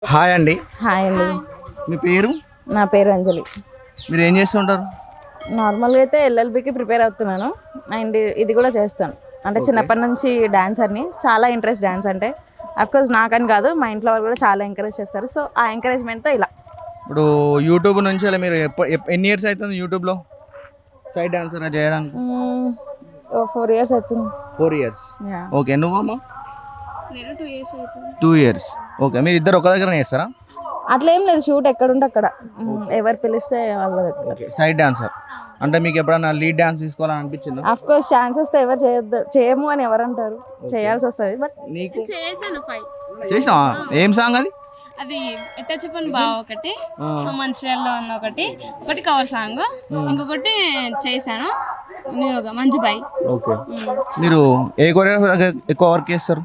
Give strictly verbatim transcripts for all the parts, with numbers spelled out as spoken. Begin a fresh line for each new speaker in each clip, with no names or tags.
Hi అండి.
Hi అండి.
మీ పేరు?
నా పేరు అంజలి.
మీరు ఏం చేస్తుంటారు?
నార్మల్గా అయితే ఎల్ఎల్బికి ప్రిపేర్ అవుతున్నాను అండ్ ఇది కూడా చేస్తాను. అంటే చిన్నప్పటి నుంచి డాన్సర్ని, చాలా ఇంట్రెస్ట్ డాన్స్ అంటే. అఫ్కోర్స్ నాకని కాదు, మా ఇంట్లో వాళ్ళు కూడా చాలా ఎంకరేజ్ చేస్తారు. సో ఆ ఎంకరేజ్మెంట్తో ఇలా.
ఇప్పుడు యూట్యూబ్ నుంచి అలా మీరు ఎప్ప ఎప్ప- ఎన్ని ఇయర్స్ అవుతుంది యూట్యూబ్లో సైడ్ డాన్సర్ చేయడానికి?
ఫోర్ ఇయర్స్ అవుతుంది.
Four years.
యా.
ఓకే, నువ్వమ్మా?
నేను టూ ఇయర్స్ అవుతుంది.
Two years. ఓకే, మీరు ఇద్దరు ఒక దగ్గర చేస్తారా?
అట్లా ఏం లేదు, షూట్ ఎక్కడుంటే అక్కడ. మ్మ్, ఎవరు పిలిస్తే వాళ్ళ దగ్గర.
ఓకే, సైడ్ డాన్సర్ అంటే మీకు ఎప్పుడైనా లీడ్ డాన్స్ తీసుకోవాలని అనిపించిందా?
అఫ్ కోర్స్ ఛాన్సెస్ తో ఎవరు చేయొద్దు, చేయము అని ఎవరు అంటారు, చేయాల్సి వస్తుంది. బట్
నీకు
చేశాను ఫైవ్.
చేసినావా? ఏం సాంగ్ అది?
అది ఎట్ట చెప్పని బావ ఒకటి, మంచిర్యాలలో ఉన్న ఒకటి, ఒకటి కవర్ సాంగ్, ఇంకొకటి చేశాను న్యూగా మంచి బాయ్.
ఓకే, మీరు ఏ కొరియోగ్రాఫర్ దగ్గర ఎక్కువ వర్క్ చేస్తారు?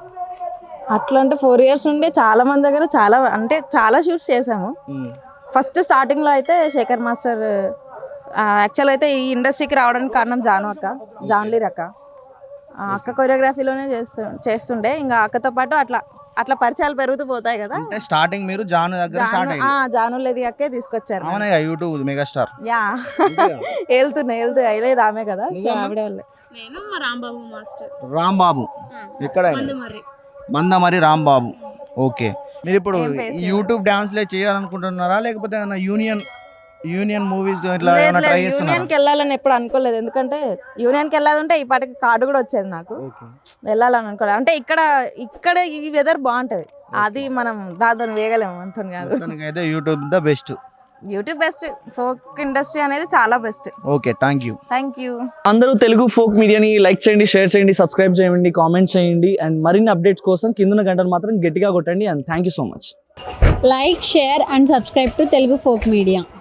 అట్లా అంటే ఫోర్ ఇయర్స్ నుండి చాలా మంది దగ్గర చాలా అంటే చాలా షూట్స్ చేసాము. ఫస్ట్ స్టార్టింగ్లో అయితే శేఖర్ మాస్టర్, యాక్చువల్ అయితే ఈ ఇండస్ట్రీకి రావడానికి కారణం జాను అక్క, జాన్లీర్ అక్క. ఆ అక్క కొరియోగ్రఫీలోనే చేస్తు చేస్తుండే. ఇంకా అక్కతో పాటు అట్లా అట్లా పరిచయాలు పెరుగుతూ పోతాయి కదా.
అంటే స్టార్టింగ్ మీరు జాను దగ్గర స్టార్ట్ అయ్యింది.
జాను లేరి అక్కే తీసుకొచ్చారు.
అవునా, యూట్యూబ్ మెగాస్టార్.
యా, వెళ్తున్నాయి వెళ్తున్నాయి అయ్యలేదు ఆమె కదా, సో ఆవిడ వాళ్ళే.
నేను మా రాంబాబు మాస్టర్
రాంబాబు. ఎక్కడ?
మరి
మందమరి రాంబాబు. ఓకే, మీరు ఇప్పుడు యూట్యూబ్ డాన్స్లే చేయాలనుకుంటున్నారా లేకపోతే ఏమైనా యూనియన్ యూనియన్ మూవీస్ ఇట్లా ఏమైనా ట్రై చేస్తున్నారా?
యూనియన్కి వెళ్ళాలని ఎప్పుడు అనుకోలేదు, ఎందుకంటే యూనియన్కి వెళ్ళాలంటే ఈ పాటికి కార్డు కూడా వచ్చేది నాకు. వెళ్ళాలని అనుకోలేదు. అంటే ఇక్కడ ఇక్కడ ఈ వెదర్ బాగుంటది, అది మనం దాంతో వేయగలేము అంటుంది కాదు.
అయితే YouTube the best.
YouTube best, folk industry అనేది చాలా best.
Okay, thank you.
Thank you.
అందరూ తెలుగు ఫోక్ మీడియాని లైక్ చేయండి, షేర్ చేయండి, సబ్స్క్రైబ్ చేయండి, కామెంట్ చేయండి అండ్ మరిన్ని అప్డేట్స్ కోసం కింద గంటలు మాత్రం గట్టిగా కొట్టండి and thank you so much.
Like, share and subscribe to Telugu Folk Media.